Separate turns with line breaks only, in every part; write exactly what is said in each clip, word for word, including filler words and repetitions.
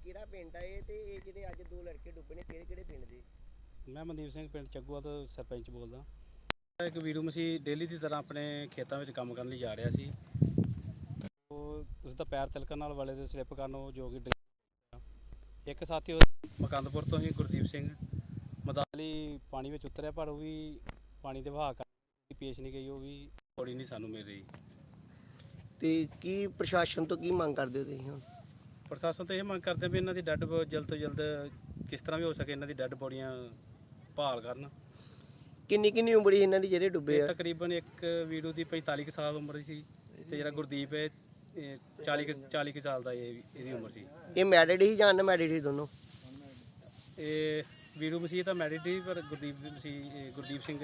ਕਿਹੜਾ ਪਿੰਡ ਆ ਇਹ ਤੇ ਇਹ ਜਿਹੜੇ ਅੱਜ ਦੋ ਲੜਕੇ ਡੁੱਬੇ ਨੇ ਕਿਹੜੇ ਕਿਹੜੇ ਪਿੰਡ ਦੇ?
ਮੈਂ ਮਨਦੀਪ ਸਿੰਘ ਪਿੰਡ ਚੱਗੂਆ ਤੋਂ ਸਰਪੰਚ ਬੋਲਦਾ। ਇੱਕ ਵੀਰੂ ਮਸੀਹ ਡੇਲੀ ਦੀ ਤਰ੍ਹਾਂ ਆਪਣੇ ਖੇਤਾਂ ਵਿੱਚ ਕੰਮ ਕਰਨ ਲਈ ਜਾ ਰਿਹਾ ਸੀ। ਉਹ ਉਸ ਦਾ ਪੈਰ ਤਿਲਕਣ ਨਾਲ ਵਾਲੇ ਦੇ ਸਲਿੱਪ ਕਰਨ ਉਹ ਜੋ ਕਿ ਡਿੱਗ ਇੱਕ ਸਾਥੀ ਉਹ ਮਕੰਦਪੁਰ ਤੋਂ ਹੀ ਗੁਰਦੀਪ ਸਿੰਘ ਮਦਾਲੀ ਪਾਣੀ ਵਿੱਚ ਉਤਰਿਆ, ਪਰ ਉਹ ਵੀ ਪਾਣੀ ਦੇ ਵਹਾਅ ਕਰਕੇ ਪੇਸ਼ ਨਹੀਂ ਗਈ, ਉਹ ਵੀ ਬੋਡੀ ਨਹੀਂ ਸਾਨੂੰ ਮਿਲ ਰਹੀ।
ਤੇ ਕੀ ਪ੍ਰਸ਼ਾਸਨ ਤੋਂ ਕੀ ਮੰਗ ਕਰਦੇ ਹੋ ਤੁਸੀਂ ਹੁਣ?
ਪ੍ਰਸ਼ਾਸਨ ਤੋਂ ਇਹ ਮੰਗ ਕਰਦੇ ਵੀ ਇਹਨਾਂ ਦੀ ਡੈੱਡ ਜਲਦ ਤੋਂ ਜਲਦ ਕਿਸ ਤਰ੍ਹਾਂ ਵੀ ਹੋ ਸਕੇ ਇਹਨਾਂ ਦੀ ਡੈੱਡ ਬੋਡੀਆਂ ਭਾਲ ਕਰਨ।
ਕਿੰਨੀ ਕਿੰਨੀ ਉਮਰ ਸੀ ਇਹਨਾਂ ਦੀ ਜਿਹੜੇ ਡੁੱਬੇ ਆ?
ਤਕਰੀਬਨ ਇੱਕ ਵੀਰੂ ਦੀ ਪੰਤਾਲੀ ਕੁ ਸਾਲ ਉਮਰ ਸੀ ਤੇ ਜਿਹੜਾ ਗੁਰਦੀਪ ਹੈ ਚਾਲੀ ਕੁ ਚਾਲੀ ਕੁ ਸਾਲ ਦਾ ਇਹ ਇਹਦੀ ਉਮਰ ਸੀ।
ਇਹ ਮੈਰਿਡ ਹੀ ਜਾਂ ਅਨਮੈਰਿਡ ਸੀ ਦੋਨੋਂ?
ਇਹ ਵੀਰੂ ਮਸੀਹ ਤਾਂ ਮੈਰਿਡ ਸੀ, ਪਰ ਗੁਰਦੀਪ ਮਸੀਹ ਗੁਰਦੀਪ ਸਿੰਘ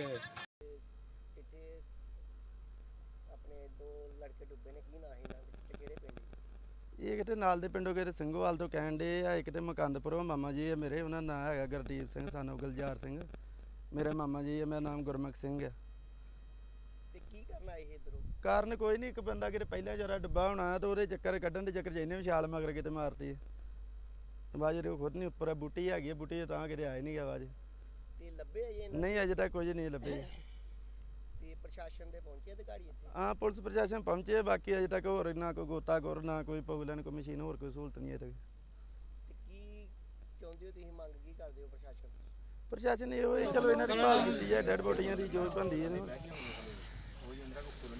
ਆਪਣੇ ਦੋ ਲੜਕੇ ਡੁੱਬੇ ਨੇ, ਕੀ ਨਾਂ ਸੀ ਇਹਨਾਂ ਦੇ ਤੇ ਕਿਹੜੇ ਪਿੰਡ?
ਇਹ ਕਿਤੇ ਨਾਲ ਦੇ ਪਿੰਡੋਂ ਕਿਤੇ ਸਿੰਘੋਵਾਲ ਤੋਂ ਕਹਿਣ ਦੇ ਆ, ਇੱਕ ਤੇ ਮਕੰਦਪੁਰੋਂ ਮਾਮਾ ਜੀ ਆ ਮੇਰੇ, ਉਹਨਾਂ ਦਾ ਨਾਂ ਹੈਗਾ ਗੁਰਦੀਪ ਸਿੰਘ ਸਾਨੂੰ ਗੁਲਜ਼ਾਰ ਸਿੰਘ। ਮੇਰੇ ਮਾਮਾ ਜੀ ਆ, ਮੇਰਾ ਨਾਮ ਗੁਰਮੁਖ ਸਿੰਘ ਆ।
ਤੇ ਕੀ ਕਰਨਾ ਇਹ ਇਧਰੋਂ?
ਕਾਰਨ ਕੋਈ ਨਹੀਂ, ਇੱਕ ਬੰਦਾ ਕਿਤੇ ਪਹਿਲਾਂ ਜਰਾ ਡੁੱਬਾ ਹੋਣਾ ਤੇ ਉਹਦੇ ਚੱਕਰ ਕੱਢਣ ਦੇ ਚੱਕਰ 'ਚ ਇਹਨੇ ਵੀ ਛਾਲ ਮਗਰ ਕਿਤੇ ਮਾਰਤੀ। ਆਵਾਜ਼ ਉਹ ਖੁਦ ਨਹੀਂ ਉੱਪਰ ਬੂਟੀ ਹੈਗੀ, ਬੂਟੀ ਤਾਂ ਕਿਤੇ ਆਏ ਨਹੀਂ ਗਾ ਆਵਾਜ਼।
ਤੇ ਲੱਭੇ ਆ ਇਹ?
ਨਹੀਂ ਅਜੇ ਤੱਕ ਕੁਝ ਨਹੀਂ ਲੱਭੇ।
ਤੇ ਪ੍ਰਸ਼ਾਸਨ ਦੇ ਪਹੁੰਚੇ ਅਧਿਕਾਰੀ ਇੱਥੇ?
ਹਾਂ ਪੁਲਿਸ ਪ੍ਰਸ਼ਾਸਨ ਪਹੁੰਚੇ, ਬਾਕੀ ਅਜੇ ਤੱਕ ਹੋਰ ਨਾ ਕੋਈ ਗੋਤਾਖੋਰ ਨਾ ਕੋਈ ਪੌਗਲੈਨ ਕੋਈ ਮਸ਼ੀਨ ਹੋਰ ਕੋਈ ਸਹੂਲਤ ਨਹੀਂ ਅਜੇ ਤੱਕ।
ਤੇ ਕੀ ਚਾਹੁੰਦੇ ਹੋ ਤੁਸੀਂ, ਮੰਗ ਕੀ ਕਰਦੇ ਹੋ ਪ੍ਰਸ਼ਾਸਨ ਤੋਂ?
ਪ੍ਰਸ਼ਾਸਨ ਇਹੋ ਹੀ ਚਲੋ ਇਹਨਾਂ ਦੀ ਭਾਲ ਕੀਤੀ ਹੈ, ਡੈਡ ਬੋਡੀਆਂ ਦੀ ਜੋ ਬਣਦੀ ਹੈ।